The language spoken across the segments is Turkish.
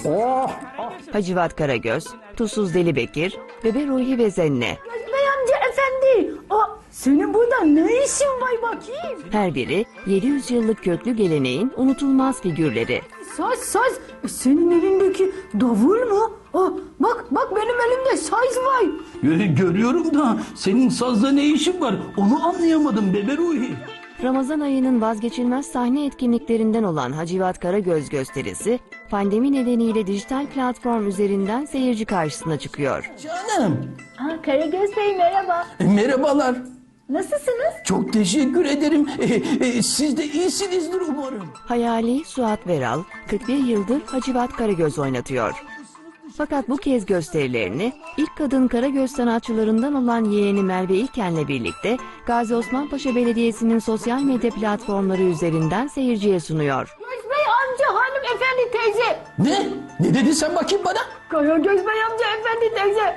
Oh! Hacivat Karagöz, Tuzsuz Deli Bekir, Bebe Ruhi ve Zenne. Bey amca efendi. Senin burada ne işin var bakayım? Her biri 700 yıllık köklü geleneğin unutulmaz figürleri. Saz. Senin elindeki davul mu? Bak benim elimde saz var. Görüyorum da senin sazda ne işin var? Onu anlayamadım Bebe Ruhi. Ramazan ayının vazgeçilmez sahne etkinliklerinden olan Hacivat Karagöz gösterisi, pandemi nedeniyle dijital platform üzerinden seyirci karşısına çıkıyor. Canım. Karagöz Bey merhaba. Merhabalar. Nasılsınız? Çok teşekkür ederim. Siz de iyisinizdir umarım. Hayali Suat Veral, 41 yıldır Hacivat Karagöz oynatıyor. Fakat bu kez gösterilerini ilk kadın Karagöz sanatçılarından olan yeğeni Merve İlken'le birlikte Gazi Osman Paşa Belediyesi'nin sosyal medya platformları üzerinden seyirciye sunuyor. Karagöz Bey amca hanımefendi teyze. Ne? Ne dedin sen bakayım bana? Karagöz Bey amca efendi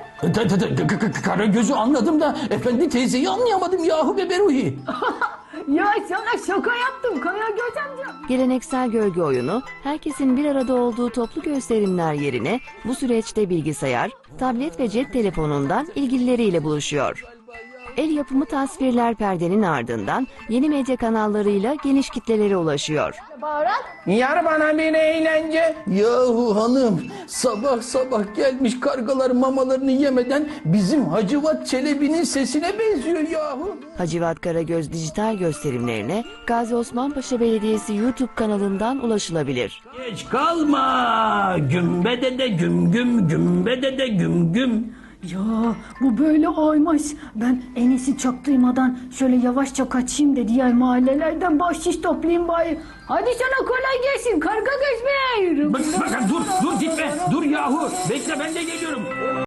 teyze. Karagöz'ü anladım da efendi teyzeyi anlayamadım yahu Bebe Ruhi. Ya sana şaka yaptım Karagöz amca. Geleneksel gölge oyunu, herkesin bir arada olduğu toplu gösterimler yerine bu süreçte bilgisayar, tablet ve cep telefonundan ilgilileriyle buluşuyor. El yapımı tasvirler perdenin ardından yeni medya kanallarıyla geniş kitlelere ulaşıyor. Baharat. Yar bana bir eğlence. Yahu hanım sabah sabah gelmiş kargalar mamalarını yemeden bizim Hacivat Çelebi'nin sesine benziyor yahu. Hacivat Karagöz dijital gösterimlerine Gazi Osman Paşa Belediyesi YouTube kanalından ulaşılabilir. Geç kalma gümbede de güm güm gümbede de güm güm. Ya bu böyle olmaz. Ben en iyisi çok duymadan şöyle yavaşça kaçayım da diğer mahallelerden bahşiş toplayayım bari. Hadi sana kolay gelsin Karagöz Bey. Dur gitme dur yahu bekle ben de geliyorum.